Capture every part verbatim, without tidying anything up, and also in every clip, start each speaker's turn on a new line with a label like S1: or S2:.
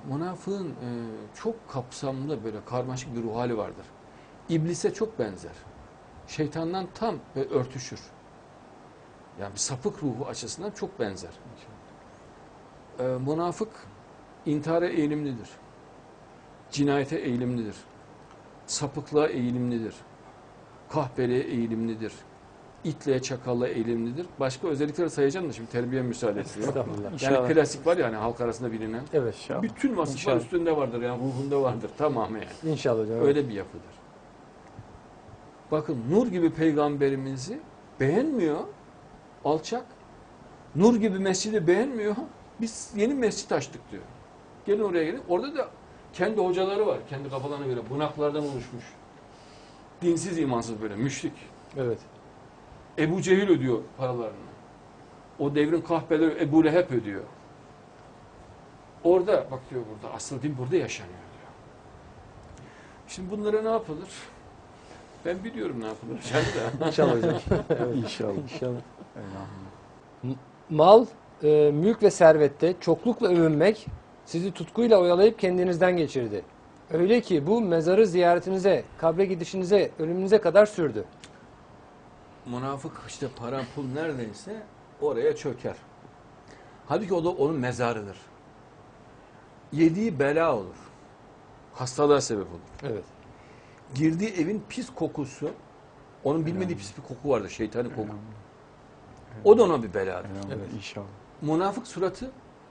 S1: Münafığın e, çok kapsamlı böyle karmaşık bir ruh hali vardır. İblise çok benzer. Şeytandan tam ve örtüşür. Yani bir sapık ruhu açısından çok benzer. E, münafık intihara eğilimlidir. Cinayete eğilimlidir. Sapıklığa eğilimlidir. Kahpeliğe eğilimlidir. İtliğe, çakallığa eğilimlidir. Başka özellikleri sayacağım da şimdi terbiye müsaade etmiyor.
S2: Estağfurullah.
S1: Yani
S3: İnşallah.
S1: klasik var ya hani halk arasında bilinen.
S2: Evet.
S3: İnşallah.
S1: Bütün vasıflar
S3: İnşallah.
S1: üstünde vardır yani ruhunda vardır tamamı yani.
S2: İnşallah hocam. Evet.
S1: Öyle bir yapıdır. Bakın nur gibi peygamberimizi beğenmiyor, alçak. Nur gibi mescidi beğenmiyor. Biz yeni mescit açtık diyor. Gelin oraya gelin. Orada da kendi hocaları var. Kendi kafalarına göre bunaklardan oluşmuş. Dinsiz, imansız böyle müşrik.
S2: Evet.
S1: Ebu Cehil ödüyor paralarını. O devrin kahpeleri Ebu Leheb ödüyor. Orada bak diyor burada asıl din burada yaşanıyor diyor. Şimdi bunlara ne yapılır? Ben biliyorum ne yapılır. Yani
S2: İnşallah hocam. Evet.
S3: İnşallah.
S2: İnşallah.
S3: Elhamdülillah.
S2: Mal, e, mülk ve servette çoklukla övünmek sizi tutkuyla oyalayıp kendinizden geçirdi. Öyle ki bu mezarı ziyaretinize, kabre gidişinize, ölümünüze kadar sürdü.
S1: münafık işte para pul neredeyse oraya çöker. Halbuki o da onun mezarıdır. Yediği bela olur. Hastalığa sebep olur.
S2: Evet.
S1: Girdiği evin pis kokusu, onun bilmediği pis bir koku vardır, şeytani koku.
S3: Elhamdülillah.
S1: O da ona bir beladır.
S3: Elhamdülillah.
S2: Evet.
S3: İnşallah.
S1: Münafık suratı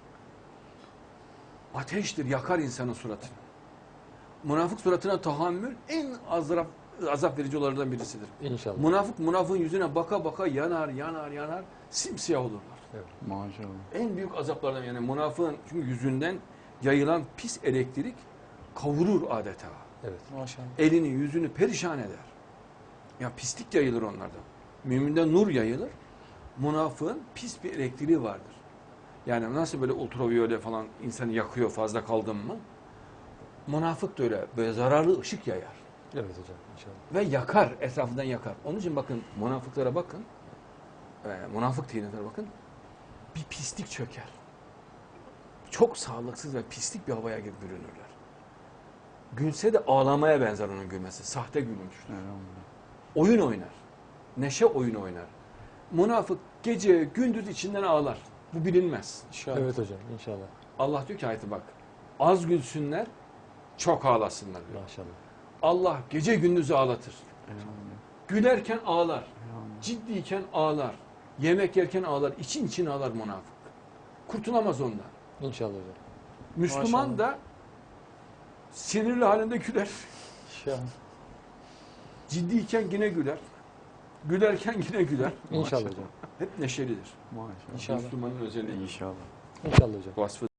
S1: ateştir, yakar insanın suratını. Münafık suratına tahammül en azap, azap verici olanlardan birisidir.
S2: İnşallah.
S1: Münafık, münafığın yüzüne baka baka yanar, yanar, yanar, simsiyah olurlar.
S3: Maşallah.
S1: En büyük azaplardan yani münafığın çünkü yüzünden yayılan pis elektrik kavurur adeta.
S2: Evet.
S3: Maşallah.
S1: Elini, yüzünü perişan eder. Ya pislik yayılır onlardan. Müminde nur yayılır. Münafığın pis bir elektriği vardır. Yani nasıl böyle ultraviyole falan insanı yakıyor fazla kaldın mı? Münafık da öyle böyle zararlı ışık yayar.
S2: Evet hocam. İnşallah.
S1: Ve yakar, etrafından yakar. Onun için bakın münafıklara bakın. E, münafık tinetlere bakın. Bir pislik çöker. Çok sağlıksız ve pislik bir havaya gibi bürünürler. Gülse de ağlamaya benzer onun gülmesi. Sahte gülmüştür.
S3: Elhamdülillah.
S1: Oyun oynar. Neşe oyunu oynar. Münafık gece gündüz içinden ağlar. Bu bilinmez.
S2: Evet hocam. İnşallah.
S1: Allah diyor ki ayeti bak. Az gülsünler, çok ağlasınlar diyor.
S2: Maşallah.
S1: Allah gece gündüz ağlatır.
S3: Elhamdülillah.
S1: Gülerken ağlar.
S3: Elhamdülillah.
S1: Ciddiyken ağlar. Yemek yerken ağlar. İçin için ağlar münafık. Kurtulamaz ondan.
S2: İnşallah hocam.
S1: Müslüman
S3: Maşallah.
S1: da sinirli halinde güler.
S3: İnşallah.
S1: Ciddiyken yine güler. Gülerken yine güler.
S2: İnşallah hocam.
S1: Hep neşelidir.
S3: Maşallah.
S2: İnşallah.
S1: Müslümanın özelliği.
S3: İnşallah.
S2: İnşallah hocam.
S1: Vasfı